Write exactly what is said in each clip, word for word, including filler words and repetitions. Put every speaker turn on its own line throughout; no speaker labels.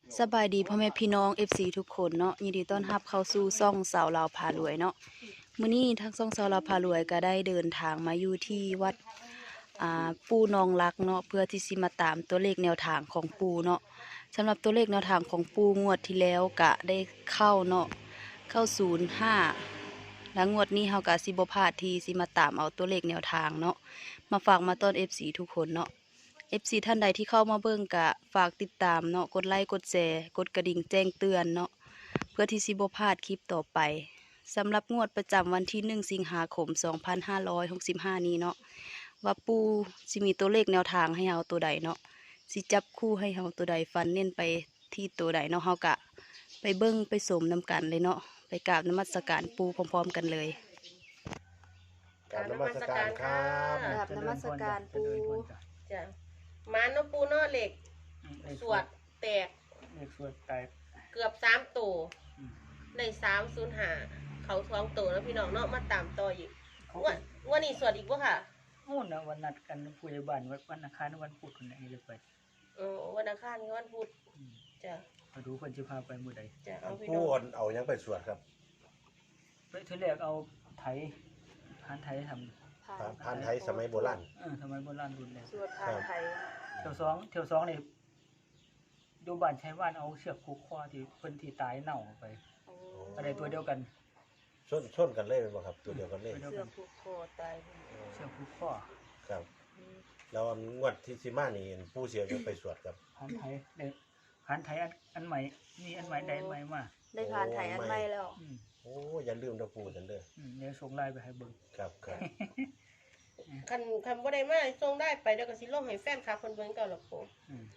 สบายดีพ่อแม่พี่น้อง เอฟ ซี ทุกคนเนาะยินดีต้อนรับเข้าสู่ซ่องสาวลาวพารวยเนาะมื้อนี้ทางซ่องสาวลาวพารวยก็ได้เดินทางมาอยู่ที่วัดอ่าปู่นองรักเนาะเพื่อที่สิมาตามตัวเลขแนวทางของปู่เนาะสำหรับตัวเลขแนวทางของปู่งวดที่แล้วก็ได้เข้าเนาะเข้าศูนย์ห้าแล้วงวดนี้เฮาก็สิบ่พลาดที่สิมาตามเอาตัวเลขแนวทางเนาะมาฝากมาต้อน เอฟ ซี ทุกคนเนาะ เอฟ ซี ท่านใดที่เข้ามาเบิ่งกะฝากติดตามเนาะกดไลค์กดแชร์กดกระดิ่งแจ้งเตือนเนาะเพื่อที่สิบ่พลาดคลิปต่อไปสำหรับงวดประจำวันที่หนึ่งสิงหาคมสองพันห้าร้อยหกสิบห้านี้เนาะว่าปูสิมีตัวเลขแนวทางให้เฮาตัวใดเนาะสิจับคู่ให้เฮาตัวใดฟันเน้นไปที่ตัวใดเนาะเฮากะไปเบิ่งไปสมนำกันเลยเนาะไปกราบนมัสการปูพร้อมๆกันเลย
กราบนมัสการครับ
กราบนมัสการปู่
จ้ะหมาโนปูเนอเหล็ก สวดแตก
เลขสวดแตก
เกือบสามตัว
อืม
ได้สามศูนย์หาเขาท้องตัวแล้วพี่น้องเนาะมาตามต่ออีก
เขา
วันวันนี้สวดอีกปะค่ะ
โอ้นะวันนัดกันผู้ใหญ่บ้านวันวันอังคารวันพุธคนไหนเลยไป
เออวันอังคารกับวันพุธ
อืม
จ้ะ
มาดูคนจะพาไปมื้อใด
จ้ะเอาพี่
ผู้
น้อง
คนเอายังไปสวดครับ
ไปทีแรกเอาไถพานไถทำ
ผ่าน
พานไทยสมัยโบราณ
เออทำไมโบราณรุ่นแรก
สวดผ่านไทย
เที่ยวสองเที่ยวสองนี่อยู่บ้านใช้บ้านเอาเชือกผูกคอที่เพิ่นที่ตายเน่าไป
โอ้
อะไรตัวเดียวกัน
ส้นส้นกันเลยเป็นบ่ครับตัวเดียวกันเลย
ตัวเดียว
เสื้
กั
อน ผูกคอตาย
เชือกผูกคอ
ครับ แล้วอันงวดที่สิมานี่ผู้เสียยังไปสวดครับ
พานไถเด็กพานไถอันอันใหม่มีอันใหม่ได้อันใหม่มา
ได้ผ่านไทยอันใหม่แล้ว
อืม
โอ้อย่าลืมนะปู่จันเด้อ
อืมเดี๋ยวส่งไลน์ไปให้เบิ่ง
ครับครับ
คันคันบ่ได้มาส่งได้ไปเดี๋ยวก็สิลงให้แฟนคลับคนเบิ่งเก่าหรอกปู
อืม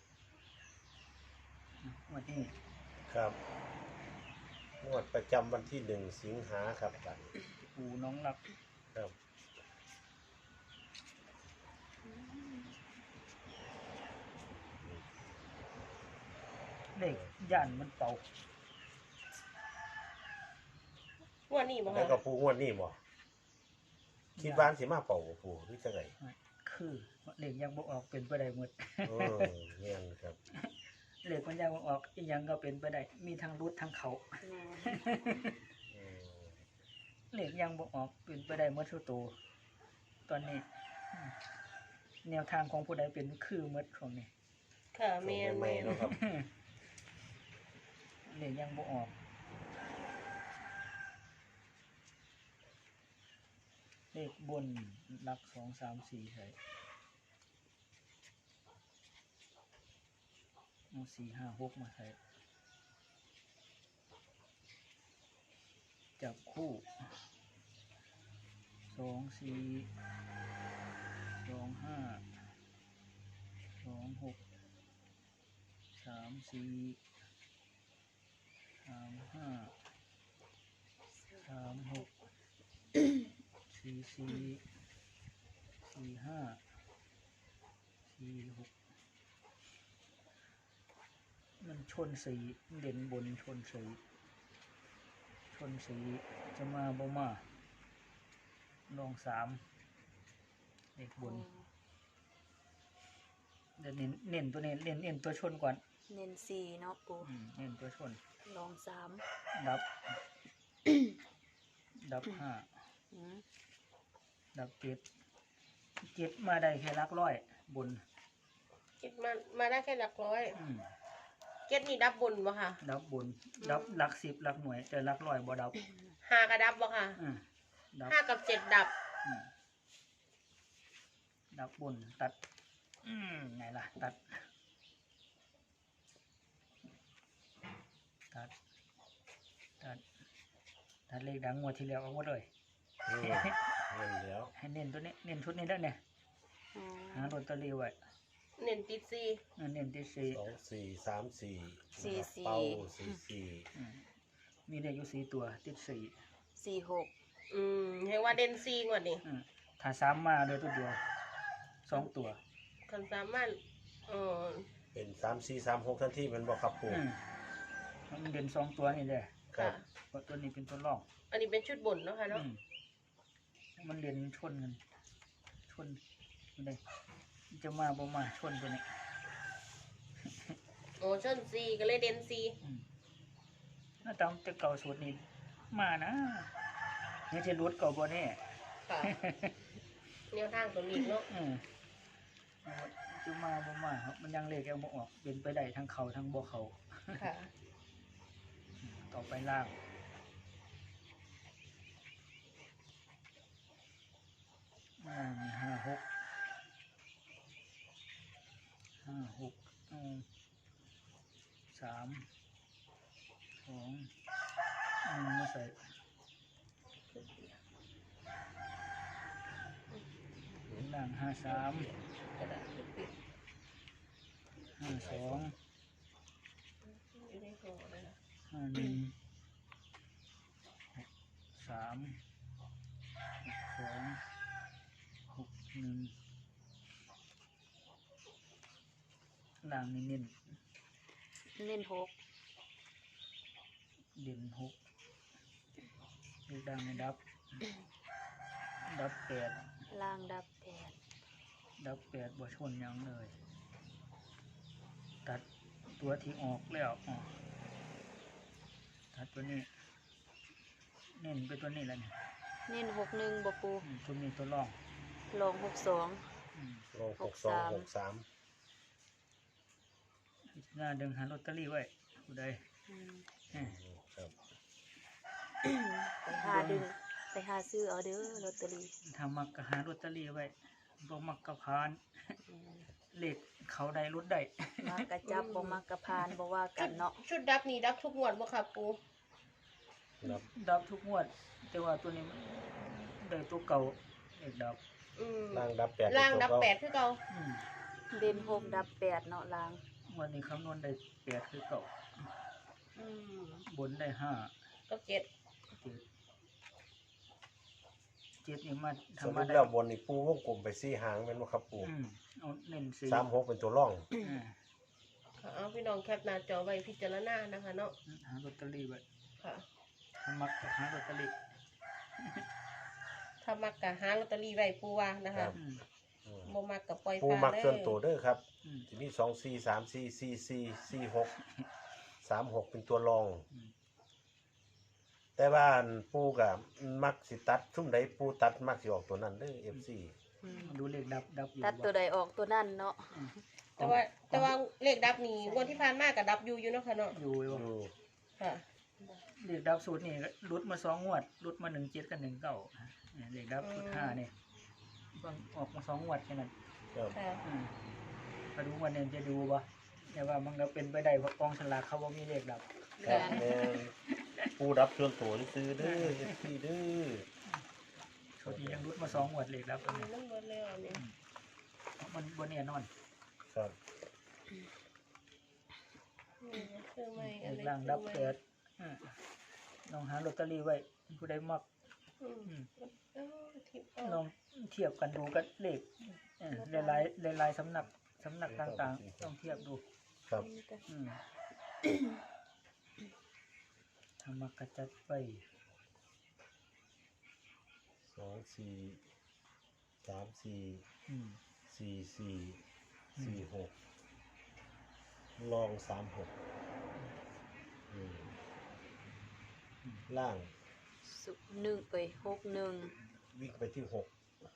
วันนี้
ครับงวดประจำวันที่หนึ่งสิงหาครับบัด
ปูน้องรัก
ครับ
เด็กย่านมันเป่า
วันนี้บ่
แล้ว
ค่ะ
ก็ปู่งวดนี้บ่คิดว่าสิมาเป่าบ่ปู่หรือจังได
คือเด็กยังบ่ออกเป็นไปได้หมด
เออเงี้ยครับ
เด็กมันยังบ่ออกอีหยังก็เป็นไปได้มีทั้งรุดทั้งเขา
อืม
เด็กยังบ่ออกเป็นไปได้หมดทุกตัวตอนนี้อืมแนวทางของผู้ใดเป็นคือหมดช่วงนี้
ค่ะแม่น
ใหม่
แม่น
ๆเนาะครับ
เด็กยังบ่ออกเลขบนหลักสองสามสี่ใช่เอาสี่ห้าหกมาใส่จับคู่สองสี่สองห้าสองหกสามสี่สามห้าสามหกสี่สี่สี่ห้าสี่หกมันชนสีเด่นบนชนสีชนสีจะมาบ่มาลองสามเลขบนเดี๋ยวเน้นเน้นตัวเน้นเน้นเน้นตัวชนก่อน
เน้นสี่เนาะปู
อืมเน้นตัวชน
ลองสาม
ดับ ดับห้า
อืม
ดับเจ็ดเจ็ดมาได้แค่หลักร้อยบน
คิดมามาได้แค่หลักร้อย
อืม
เก็ดนี่ดับบนบ่ค่ะ
ดับบน ดับหลักสิบหลักหน่วย แต่หลักร้อยบ่ดับ
ห้ากับดับบ่ค่ะ
อืมดับ
ห้ากับเจ็ดดับ
อืมดับบนตัด อืมไงล่ะ ตัด ตัด ตัด ตัดเลขดังงวดที่แล้วเอาหมดเลย
อืมเงินแล้ว
ให้เน้นตัวนี้ เน้นชุดนี้แล้วเนี่ย
อืม
หาลอตเตอรี่ไว้
เน้นติดซี
เออเน้นที่สี่
สองสี่สามสี่
สี่
นะครับ
สี่
เป้าสี่สี่
อืมมีเลขอยู่สี่ตัว ติดสี่
สี่หก
อืมเห็นว่าเด่นซีงวดนี้
อืมถ้าสามมาเลยตัวเดียวสองตัว
คันสามารถเออ
เป็นสามสี่สามหกทันทีมันบอกครับปู่
อืมมันเด่นสองตัวนี่เลย
ครั
ค่ะ
บ
เพราะตัวนี้เป็นตัวรอง
อันนี้เป็นชุดบนเนาะค่ะเนาะ
อืมมันเด่นชนกันชนนี่เลยมันจะมาบ่มาชนตัวนี้
ช
โอ้ชนซีก็เลยเด่นซี
อืมถ้าตามแต่เก่าสูตรนี้มานะนี่จะรุดเก่าบ่แน่
ค่ะแนวทางตัวนี้เนาะ
อืมเอาไว้จะมาบ่มาครับมันยังเลขยังบ่ออกเป็นไปได้ทั้งเขาทั้งบ่เขา
ค่ะ
ต่อไปล่างล่างมีห้าหกห้าหกอืมสามสองหนึ่งมาใส่ล่างห้าสาม
กระดาษปิด
ห้าสอง
อยู่ในห่อเลยนะ
ห้าหนึ่งหกสามหกสองหกหนึ่งล่างนี่เน้น
เน้นหก
เด่นหกเลขดังในดับ ดับแปด
ล่างดับแปด
ดับแปดบ่ชนหยังเลย ตัดตัวที่ออกแล้วออกตัดตัวนี้ เน้นไปตัวนี้แล้วเนี่ย
เน้นหกหนึ่งบ่ปู
อืมตัวนี้ตัวร่อง
ลองหกสอง
อืม
ลงหกสองหกสาม
พิจารณาดึงหาลอตเตอรี่ไว้ผู้ใด
อืม
แหม่
ครับ
ไปหาดึงไปหาซื้อเอาเด้อลอตเตอรี่
ถ้ามักก็หาลอตเตอรี่ไว้บ่มักก็พาน
อืม
เลขเขาได้รุดได้
มักกะจับบ่มักกะพานบ่ว่ากันเนาะ
ชุดดับนี่ดับทุกงวดบ่ค่ะปู
นับ
ดับทุกงวด แต่ว่าตัวนี้มันได้ตัวเก่าเลขดับ
อืม
ล่างดับแปด
ล่างดับ
ตัว
แป
เก้
ดคือเก่า
อืม
เด่นหกดับแปดเนาะล่าง
งวันนี้คำนวณได้แปดคือเก่า
อืม
บนได้ห้า
ก็เจ็ด
เจ็ดเจ็ดนี่มา
ส
ทำ
รุ
มา
ป
ได้
แล้วบนนี่ปูวงกลมไปสี่หางเป็นว่าครับปู
อืมเอาเน้นสี่
สามหกเป็นตัวร่อง
อ่า
ค่ะเอาพี่น้องแคปหน้าจอไว้พิจารณานะคะเนาะ
หาลอตเตอรี่ไว้
ค่ะ
ทำมักก็หาลอตเตอรี่
ถ้ามักกะหาลอตเตอรี่ไว้ปูว่านะ
ครั
คะ
บ
อืม
อืม
บ่มักกะปล่อย
ปู
ปลา
มัก
เลย
ส่วนตัวเด้อครับ
อืม
ทีนี้สองสี่สามสี่สี่สี่สี่หกสามหกเป็นตัวรอง
อืม
แต่ว่าอันปูกับมักสิตัดชุ่มใดปูตัดมักสิออกตัวนั้นเด้อเอฟซี
อืม
ดูเลขดับดับอยู่
ตัดตัวใดออกตัวนั่นเนาะ
อืม
แต่ว่าแต่ว่าเลขดับนี่งวดที่ผ่านมาก็ดับอยู่อยู่เนาะค่ะเนาะ
อยู่อยู่
อยู่
ค่ะ
เลขดับสูตรนี่รุดมาสองงวดรุดมาหนึ่งเจ็ดกับหนึ่งเก้าเลขดับสูตรห้าเนี่ยเพิ่งออกมาสองงวดแค่นั้น
ครับ
ค่ะ
อืมมาดูวันนี้จะดูบ่แต่ว่ามันก็เป็นไปได้เพราะกองฉลากเขาว่ามีเลขดับ
ครับแม่นปูรับส่วนตัวซื้อเด้อเอฟซีเด้อ
สูตรนี้ยังรุดมาสองงวดเลขดับตัว
มี
นี้
น้ำมันแล้วนี่
มันบนเนี่ยนอน
ครับ
นี่คือไม่
เล
อะไร
ขล่างดับแปดอืมลองหาลอตเตอรี่ไว้ผู้ใดมัก
อืม
อืม
เอ้าทิป
ลอ
เอา
งเทียบกันดูกับเลขเออหลายหลายหลายๆสำนักสำนักต่างๆต้องเทียบดู
ครับ
อืมทำมากระจัดไป
สองสี่สามสี่
อืม
สี่สี่
อืม
สี่หกลองสามหกอืมล่าง
สุหนึ่งเอ้ยหกหนึ่ง
วิ่งไปที่หก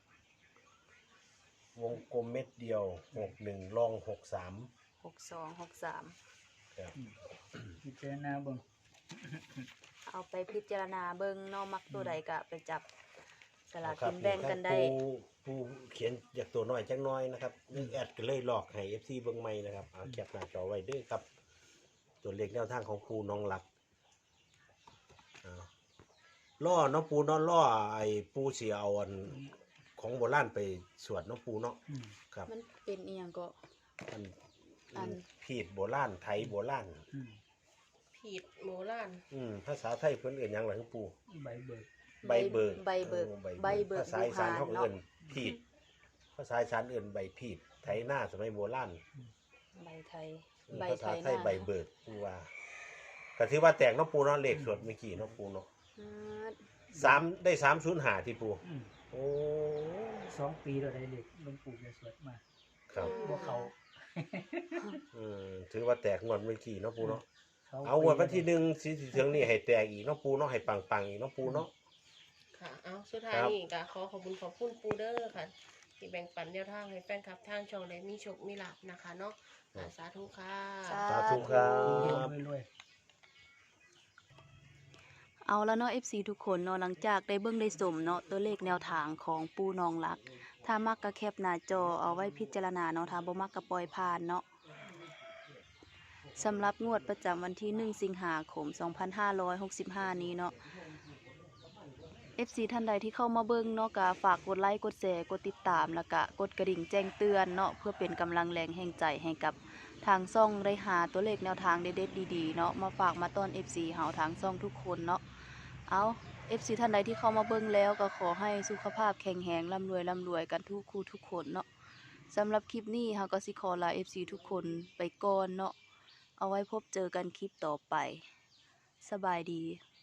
วงกลมเม็ดเดียวหกหนึ่งลองหกสาม
หกสองหกสาม
ครับ
พิจารณาเบิ่ง
เอาไปพิจารณาเบิ่งเนาะมักตัวใดก็ไปจับสลาก
ครั
กินแบ่งกันได้
ผู้ผู้เขียนอยากตัวน้อยจังน้อยนะครับนี่แอดก็เลยหลอกให้เอฟซีเบิ้งใหม่นะครับเอาแคปหน้าจอไว้เด้วยครับ ตัวเลขแนวทางของปูน้องหลักอ่าล่อเน้องปูเน้องล่อไอ้ปูเสียเอาอันของโบราณไปสวดเน้องปูเนาะ
อืม
ครับ
มันเป็นอีหยังก็
อัน
อัน
พีดโบราณไทยโบราณ
อืม
ผิดโมล้าน
อืมภาษาไทยเพิ่นเอื่นหยังหลังปู
ใบเบิก
ใบเบิก
ใบเบิก
ออ
ใบเบิก
ภาษาอีสานเขาก็
เนาะ
เอื่นพีดภาษาอีสานเอื่นใบพีดไทยหน้าสมัยโบราณ
ใบไทย
อืม
ใบ
ภา
ไท
ษาย ไท
ห
ย
น้า
ใบเบิกปูว่าก็ถือว่าแตกเน้องปูเนาะเลขสวดเมื่อกี้เน้องปูเนาะ
อืม
สามได้สามศูนย์หาที่ปู
อืม
โอ้
สองปีเราได้เลขหลวงปู่จะสวดมา
ครับ
พวกเขา
อืมถือว่าแตกงวดเมื่อกี้เนาะปูเนาะ
สง
เอางวดวันที่ห
ปี
นึ่งสิสิถึงนี่ให้แตกอีกเนาะปูเนาะให้ปังๆอีกเนาะปูเนาะ
ค่ะ เอาสุดท้าย
ครับ
นี่ก็ขอขอบคุณขอบคุณปูเดอร์ค่ะ ที่แบ่งปันแนวทางให้แฟนคลับทางช่องได้มีโชคมีลาภนะคะเนาะอ่าสาธุค่ะ
สาธุครับ
รวย
เอาแล้วเนาะ เอฟ ซี ทุกคนเนาะหลังจากได้เบิ่งได้สมเนาะตัวเลขแนวทางของปูนองรัก ถ้ามักก็แคปหน้าจอเอาไว้พิจารณาเนาะถ้าบ่มักก็ปล่อยผ่านเนาะสำหรับงวดประจำวันที่หนึ่งสิงหาคมสองพันห้าร้อยหกสิบห้านี้เนาะ เอฟ ซี ท่านใดที่เข้ามาเบิ่งเนาะก็ฝากกดไลค์กดแชร์กดติดตามแล้วก็กดกระดิ่งแจ้งเตือนเนาะเพื่อเป็นกำลังแรงแห่งใจให้กับทางช่องได้หาตัวเลขแนวทางเด็ดๆดีๆเนาะมาฝากมาต้อน เอฟ ซี เฮาทางช่องทุกคนเนาะเอา เอฟ ซี ท่านใดที่เข้ามาเบิ่งแล้วก็ขอให้สุขภาพแข็งแรงร่ำรวยร่ำรวยกันทุกคู่ทุกคนเนาะสำหรับคลิปนี้เฮาก็สิขอลา เอฟ ซี ทุกคนไปก่อนเนาะเอาไว้พบเจอกันคลิปต่อไปสบายดี